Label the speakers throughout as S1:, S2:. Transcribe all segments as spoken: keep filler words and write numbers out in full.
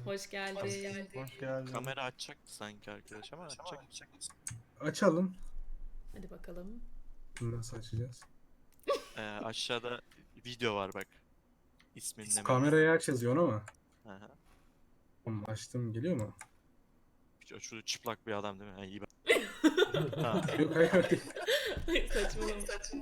S1: Hoş geldin.
S2: Hoş geldin.
S3: Kamera açacaktı sanki arkadaş ama açacak mısın?
S2: Açalım.
S1: Hadi bakalım.
S2: Nasıl açacağız?
S3: Ee, aşağıda video var bak. İsminle mevzu.
S2: Kamerayı aç yazıyor ama.
S3: Hı hı.
S2: Tamam, açtım, geliyor mu?
S3: Şu şu çıplak bir adam değil mi? Ha, iyi bak. Ha,
S2: Yok, hayır hayır.
S1: Ay, saçmalama.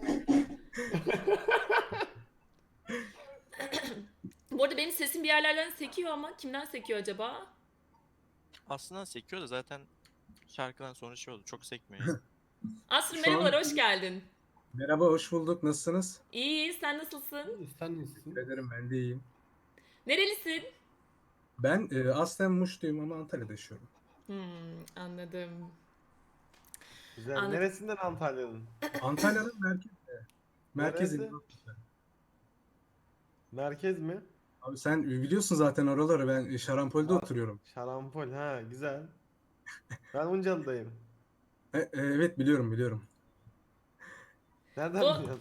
S1: Bu arada benim sesim bir yerlerden sekiyor ama kimden sekiyor acaba?
S3: aslında sekiyor da zaten şarkıdan sonra şey oldu. Çok sekmiyor yani.
S1: Aslı
S2: Şu
S1: merhabalar,
S2: an-
S1: hoş geldin.
S2: Merhaba, hoş bulduk. Nasılsınız?
S1: İyi, sen nasılsın?
S4: İyi, sen iyisin.
S2: Teşekkür ederim, ben de iyiyim.
S1: Nerelisin?
S2: Ben e, aslen Muşluyum ama Antalya'da yaşıyorum.
S1: Hmm, anladım.
S4: Güzel.
S1: Anladım.
S4: Neresinden Antalya'nın?
S2: Antalya'nın merkezinde. Merkezinde.
S4: Neresi? Merkez mi?
S2: Abi sen biliyorsun zaten oraları. Ben Şarampol'de
S4: Aa.
S2: oturuyorum.
S4: Şarampol. Ha, güzel. Ben Uncalı'dayım.
S2: E, e, evet, biliyorum biliyorum.
S4: Nereden
S1: Bu-
S4: biliyorsun?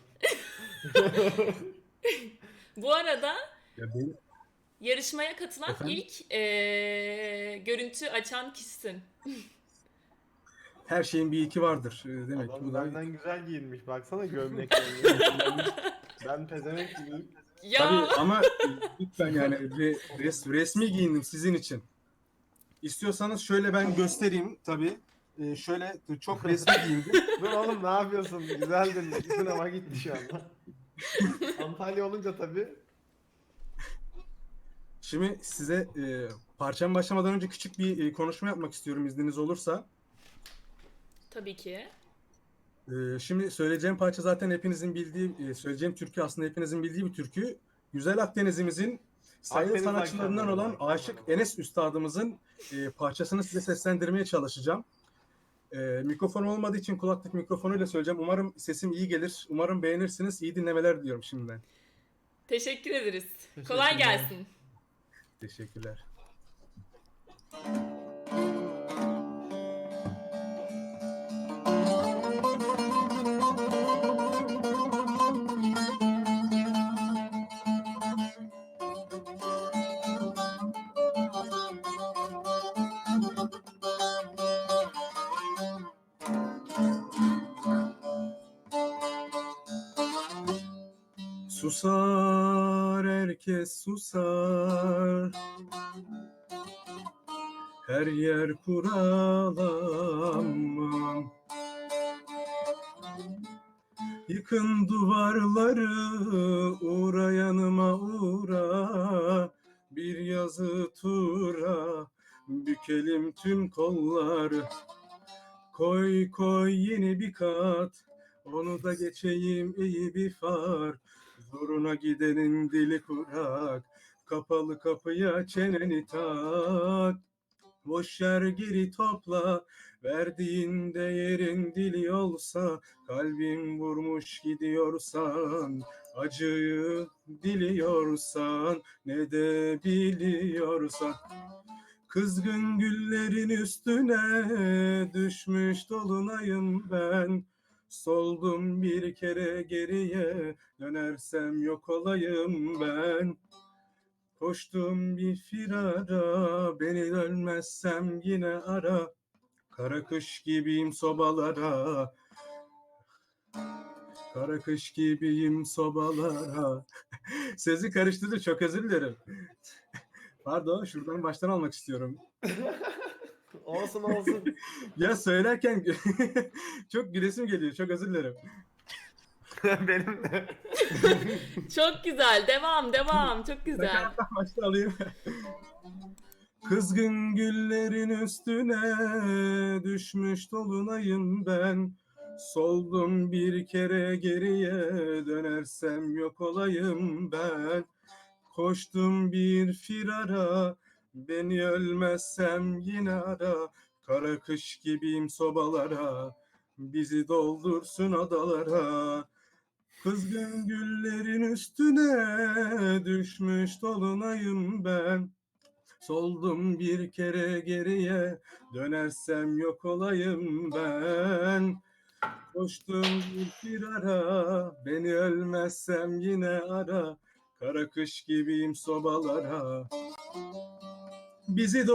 S1: Bu arada
S2: Ya benim,
S1: yarışmaya katılan
S2: Efendim?
S1: ilk eee, görüntü açan kişisin.
S2: her şeyin bir iki vardır. E, demek ki
S4: Adam
S2: bu da...
S4: benden güzel giyinmiş. Baksana gömleklerini. Ben pezevenk gibiyim.
S1: Ya
S2: Tabii ama e, lütfen yani re- res- resmi giyindim sizin için. İstiyorsanız şöyle ben göstereyim tabii. Ee, şöyle çok resmi giyindim.
S4: Dur oğlum, ne yapıyorsun? Güzeldin. Sınava gitti şu anda. Antalya olunca tabii.
S2: Şimdi size e, parçam başlamadan önce küçük bir e, konuşma yapmak istiyorum izniniz olursa.
S1: tabii ki.
S2: E, şimdi söyleyeceğim parça zaten hepinizin bildiği, e, söyleyeceğim türkü aslında hepinizin bildiği bir türkü. Güzel Akdeniz'imizin sayılı
S4: Akdeniz
S2: sanatçılarından
S4: akşamları.
S2: olan Aşık Enes Üstadımızın e, parçasını size seslendirmeye çalışacağım. E, mikrofon olmadığı için kulaklık mikrofonuyla söyleyeceğim. Umarım sesim iyi gelir. Umarım beğenirsiniz. İyi dinlemeler diliyorum şimdiden.
S1: Teşekkür ederiz.
S4: Teşekkürler.
S1: Kolay gelsin.
S2: Teşekkürler. Susar herkes susar, her yer kuralanmam. Yıkın duvarları, uğra yanıma uğra, bir yazı tura, bükelim tüm kolları. Koy koy yeni bir kat, onu da geçeyim iyi bir far. Zoruna gidenin dili kurak, kapalı kapıya çeneni tak. Boş yer geri topla, verdiğin değerin dili olsa, kalbim vurmuş gidiyorsan, acıyı diliyorsan, ne de biliyorsan. Kızgın güllerin üstüne düşmüş dolunayım ben. Soldum bir kere geriye, dönersem yok olayım ben. Koştum bir firara, beni dönmezsem yine ara. Kara kış gibiyim sobalara, kara kış gibiyim sobalara. Sesi karıştırdı, çok özür dilerim. Pardon, şuradan baştan almak istiyorum.
S4: Olsun olsun.
S2: Ya söylerken çok gülesim geliyor. Çok özür dilerim.
S4: Benim de.
S1: Çok güzel. Devam, devam. Çok güzel.
S2: Nakarattan başta alayım. Kızgın güllerin üstüne düşmüş dolunayım ben. Soldum bir kere geriye, dönersem yok olayım ben. Koştum bir firara, beni ölmezsem yine ara. Kara kış gibiyim sobalara, bizi doldursun adalara. Kızgın güllerin üstüne düşmüş dolunayım ben. Soldum bir kere geriye, dönersem yok olayım ben. Koştum bir firara, beni ölmezsem yine ara. Kara kış gibiyim sobalara, bizi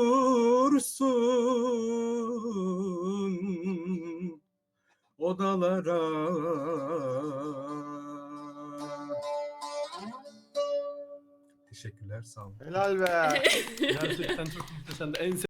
S2: doldursun odalara. Teşekkürler, sağ olun.
S4: Helal be.
S5: Gerçekten çok muhteşemdi. En